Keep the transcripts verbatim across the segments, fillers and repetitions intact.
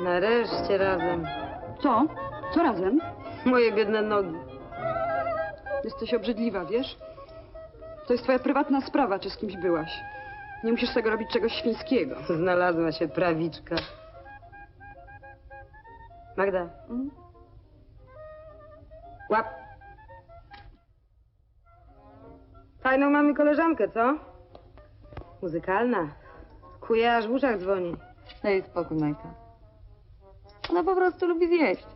Nareszcie razem. Co? Co razem? Moje biedne nogi. Jesteś obrzydliwa, wiesz? To jest twoja prywatna sprawa, czy z kimś byłaś. Nie musisz z tego robić czegoś świńskiego. Znalazła się prawiczka. Magda. Mm? Łap. Fajną mamy koleżankę, co? Muzykalna. Kuje, aż w uszach dzwoni. Daj spokój, Majka. Ona po prostu lubi zjeść.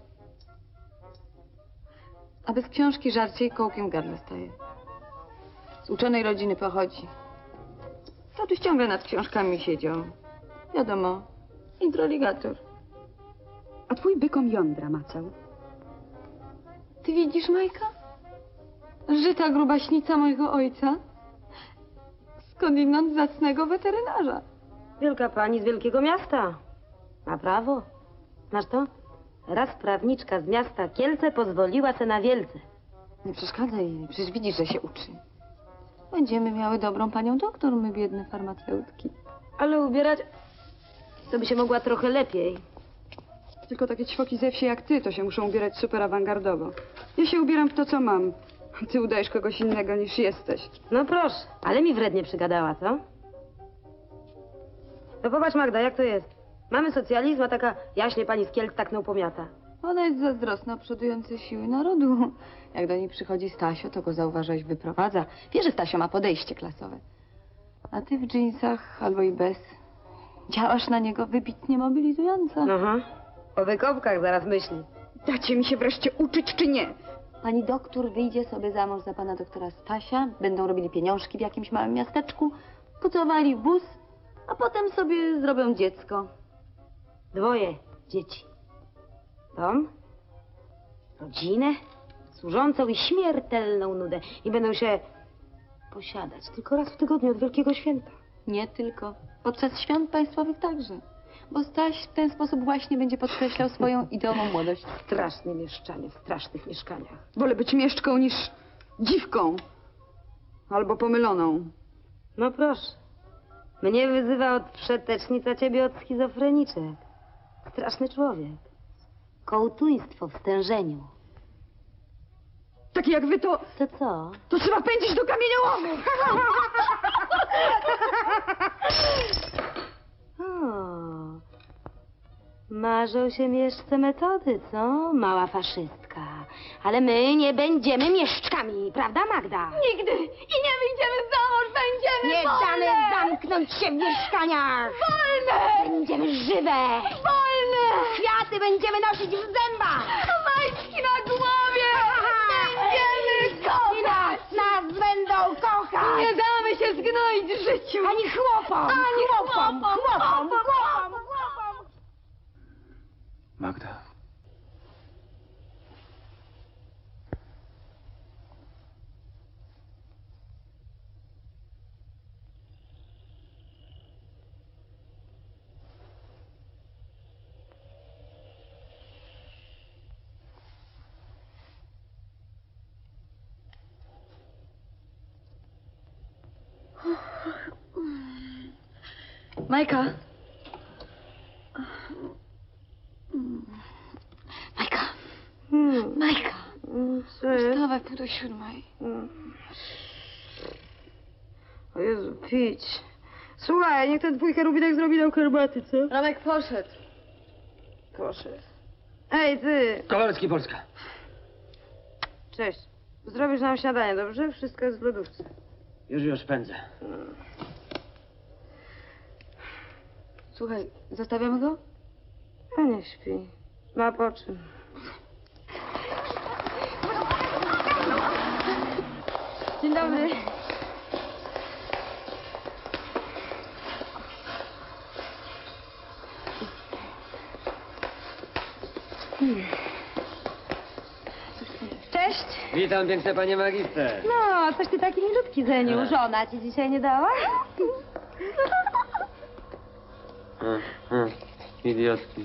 A bez książki żarcie i kołkiem w gardle staje. Z uczonej rodziny pochodzi. Tatuś ciągle nad książkami siedział. Wiadomo, introligator. A twój bykom jądra macał. Ty widzisz, Majka? Żyta grubaśnica mojego ojca. Skądinąd zacnego weterynarza. Wielka pani z wielkiego miasta. Ma prawo. Znasz to? Raz prawniczka z miasta Kielce pozwoliła se na Wielce. Nie przeszkadzaj jej, przecież widzisz, że się uczy. Będziemy miały dobrą panią doktor, my biedne farmaceutki. Ale ubierać to by się mogła trochę lepiej. Tylko takie ćwoki ze wsi jak ty to się muszą ubierać super awangardowo. Ja się ubieram w to, co mam. A ty udajesz kogoś innego niż jesteś. No proszę, ale mi wrednie przygadała, co? No popatrz, Magda, jak to jest? Mamy socjalizm, a taka jaśnie pani z Kielc tak pomiata. Ona jest zazdrosna o przodujące siły narodu. Jak do niej przychodzi Stasio, to go zauważaś, wyprowadza. Wie, że Stasio ma podejście klasowe. A ty w dżinsach albo i bez. Działasz na niego wybitnie mobilizująco. Aha. O wykopkach zaraz myśli. Dacie mi się wreszcie uczyć, czy nie? Pani doktor wyjdzie sobie za mąż za pana doktora Stasia, będą robili pieniążki w jakimś małym miasteczku, pucowali w wóz, a potem sobie zrobią dziecko. Dwoje dzieci. Dom, rodzinę, służącą i śmiertelną nudę. I będą się posiadać tylko raz w tygodniu od Wielkiego Święta. Nie tylko. Podczas świąt państwowych także. Bo Staś w ten sposób właśnie będzie podkreślał swoją ideową młodość. Strasznie mieszczanie w strasznych mieszkaniach. Wolę być mieszczką niż dziwką. Albo pomyloną. No proszę. Mnie wyzywa od przetecznica, ciebie od schizofreniczek. Straszny człowiek. Kołtuństwo w stężeniu. Takie jak wy to... To co? To trzeba pędzić do kamieniołomu! O, marzą się mieszce metody, co? Mała faszystka. Ale my nie będziemy mieszczkami, prawda, Magda? Nigdy! I nie wyjdziemy za mąż, będziemy Nie wolne! damy zamknąć się w mieszkaniach! Wolne! Będziemy żywe! Wolne! Kwiaty będziemy nosić w zębach! Majtki na głowie! Będziemy I kochać! nas, nas będą kochać! Nie damy się zgnoić w życiu! Ani chłopom! Ani chłopom! chłopom! Chłopom! Chłopom! Chłopom! Magda. Majka. Majka. Hmm. Majka. Co jest? Wstawaj, pół do siódmej. O Jezu, pić. Słuchaj, niech ten twój cherubinek zrobi nam herbaty, co? Romek poszedł. Proszę. Ej, ty! Kowalski, Polska. Cześć. Zrobisz nam śniadanie, dobrze? Wszystko jest w lodówce. Już, już pędzę. Słuchaj, zostawiamy go? A nie śpi. Ma po czym. Dzień dobry. Hmm. Cześć. Witam, piękne panie magister. No, coś ty taki milutki, Zeniu. Żona ci dzisiaj nie dała? Hmm, hmm. Idiotki.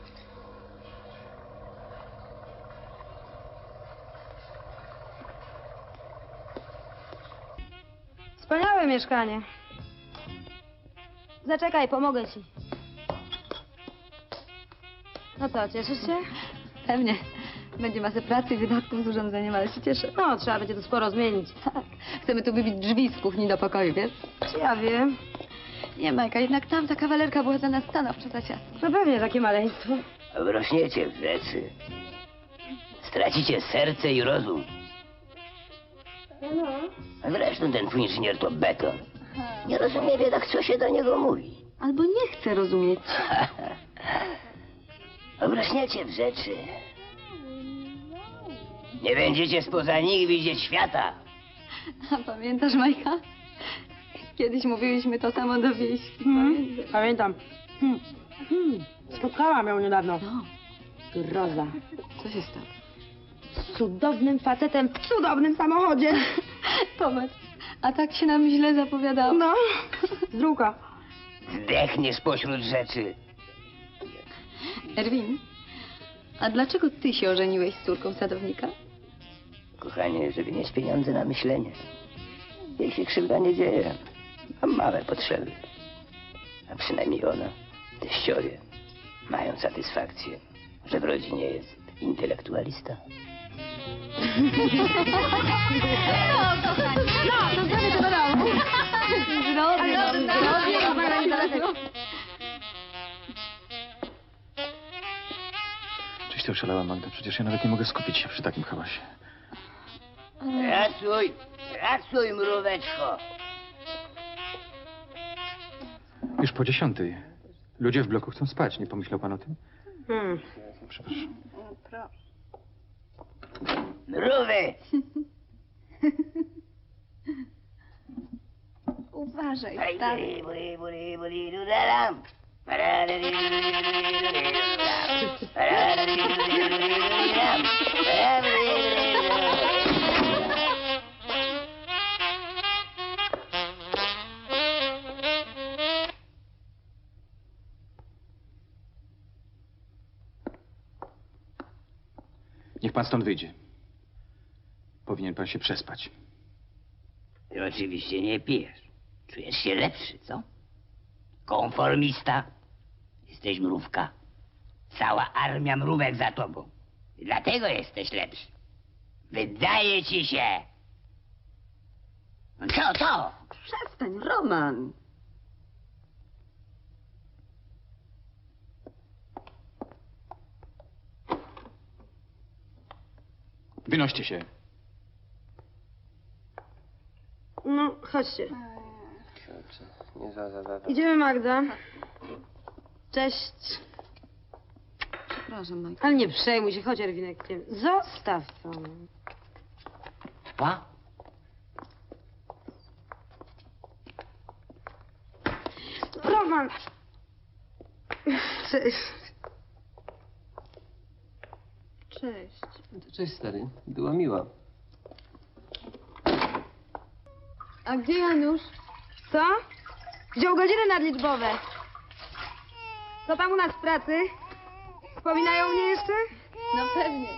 Wspaniałe mieszkanie. Zaczekaj, pomogę ci. No co, cieszysz się? Pewnie. Będzie masę pracy i wydatków z urządzeniem, ale się cieszę. No, trzeba będzie to sporo zmienić. Tak. Chcemy tu wybić drzwi z kuchni do pokoju, wiesz? Czy ja wiem? Nie, Majka, jednak tam ta kawalerka była za nas stanowczo za ciasna. No pewnie takie maleństwo. Wrośniecie w rzeczy. Stracicie serce i rozum. A zresztą ten twój inżynier to beton. Nie rozumie biedak, co się do niego mówi. Albo nie chce rozumieć. Wrośniecie w rzeczy. Nie będziecie spoza nich widzieć świata. A pamiętasz, Majka? Kiedyś mówiliśmy to samo do wieśki. Hmm? Pamiętam. Hmm. Hmm. Spotkałam ją niedawno. No, Groza. co się stało? Z cudownym facetem w cudownym samochodzie. Popatrz, a tak się nam źle zapowiadało. No, z druga. Zdechniesz pośród rzeczy. Erwin, a dlaczego ty się ożeniłeś z córką sadownika? Kochanie, żeby mieć pieniądze na myślenie. Jej się krzywda nie dzieje. Mam małe potrzeby. A przynajmniej ona, teściowie, mają satysfakcję, że w rodzinie jest intelektualista. No, to zdrowie to do domu. Zdrowie, zdrowie, zdrowie. Czyś to oszalała, Magda? Przecież ja nawet nie mogę skupić się przy takim hałasie. Pracuj, pracuj, mróweczko. Już po dziesiątej. Ludzie w bloku chcą spać. Nie pomyślał pan o tym? Hmm. Przepraszam. Mrówy! Uważaj, Buri, stary. buri, buri, buri, dudalam. Paradadidudidudidudam. Paradadidudidudidudam. Paradadidudidudidam. Niech pan stąd wyjdzie. Powinien pan się przespać. Ty oczywiście nie pijesz. Czujesz się lepszy, co? Konformista. Jesteś mrówka. Cała armia mrówek za tobą. I dlatego jesteś lepszy. Wydaje ci się. No co, co? Przestań, Roman. Wynoście się. No, chodźcie. Nie za, za, za. Idziemy, Magda. Cześć. Przepraszam, Majka. Ale nie przejmuj się, chodź, Erwinek. Zostaw to. Pa? Roman! Cześć. Cześć. Cześć, stary. Była miła. A gdzie Janusz? Co? Wziął godziny nadliczbowe. Co tam u nas w pracy? Wspominają mnie jeszcze? No pewnie.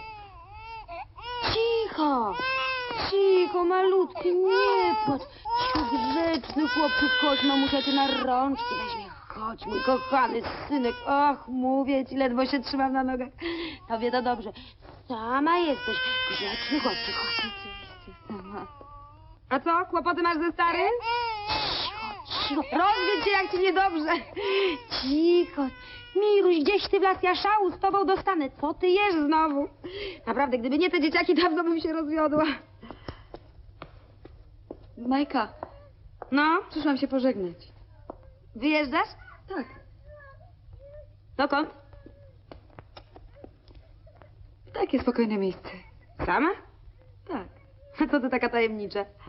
Cicho! Cicho, malutki, nie płacz. Cicho, grzeczny chłopczyk, chodź, mamusia cię na rączki weźmie. Chodź, mój kochany synek. Och, mówię ci, ledwo się trzymam na nogach. Tobie to dobrze. Sama jesteś. Grzeczny chłopczyk, chodź. Oczywiście, sama. A co, kłopoty masz ze starym? Cicho, cicho. Rozwiedź się, jak ci niedobrze. Cicho. Miruś, gdzieś ty w las, ja szału z tobą dostanę. Co ty jesz znowu? Naprawdę, gdyby nie te dzieciaki, dawno bym się rozwiodła. Majka, No, przyszłam się pożegnać. wyjeżdżasz? Tak. Dokąd? Takie spokojne miejsce. Sama? Tak. A co ty taka tajemnicza?